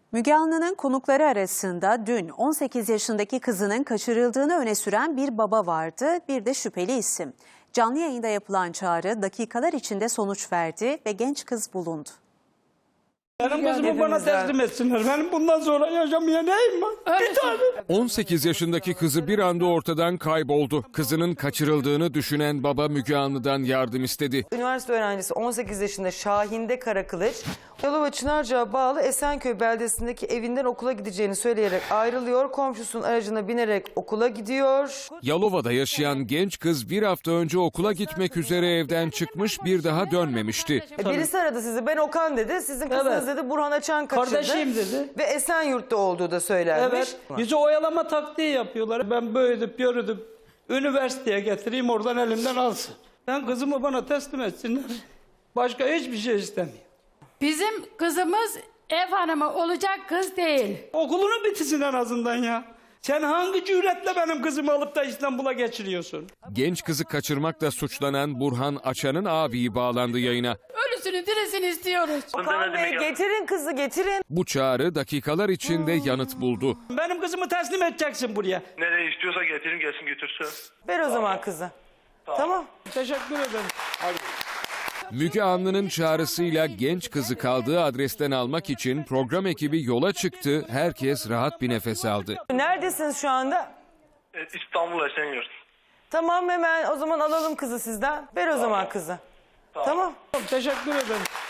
Müge Anlı'nın konukları arasında dün 18 yaşındaki kızının kaçırıldığını öne süren bir baba vardı, bir de şüpheli isim. Canlı yayında yapılan çağrı dakikalar içinde sonuç verdi ve genç kız bulundu. Benim kızımı bana teslim etsinler. Benim bundan sonra yaşamaya neyim var? Bir tane. 18 yaşındaki kızı bir anda ortadan kayboldu. Kızının kaçırıldığını düşünen baba Müge Anlı'dan yardım istedi. Üniversite öğrencisi 18 yaşında Şahinde Karakılıç, Yalova Çınarca'ya bağlı Esenköy beldesindeki evinden okula gideceğini söyleyerek ayrılıyor. Komşusunun aracına binerek okula gidiyor. Yalova'da yaşayan genç kız bir hafta önce okula gitmek üzere evden çıkmış, bir daha dönmemişti. Birisi aradı sizi, ben Okan dedi. Sizin kızınız dedi Burhan Açan kaçırdı. Kardeşim dedi. Ve Esenyurt'ta olduğu da söylenmiş. Evet. Bizi oyalama taktiği yapıyorlar. Ben böyüdüp yürüdüm. Üniversiteye getireyim, oradan elimden alsın. Ben kızımı bana teslim etsinler. Başka hiçbir şey istemiyorum. Bizim kızımız ev hanımı olacak kız değil. Okulunu bitirsin en azından ya. Sen hangi cüretle benim kızımı alıp da İstanbul'a geçiriyorsun? Genç kızı kaçırmakla suçlanan Burhan Açan'ın abiyi bağlandı yayına. Ölüsünü dirisini istiyoruz. Okan Bey getirin kızı getirin. Bu çağrı dakikalar içinde yanıt buldu. Benim kızımı teslim edeceksin buraya. Nereye istiyorsa getirin gelsin götürsün. Ver o zaman kızı. Tamam. Teşekkür ederim. Müge Anlı'nın çağrısıyla genç kızı kaldığı adresten almak için program ekibi yola çıktı. Herkes rahat bir nefes aldı. Neredesiniz şu anda? İstanbul Esenyurt. Tamam, hemen o zaman alalım kızı sizden. Ver o zaman kızı. Tamam. Teşekkür ederim.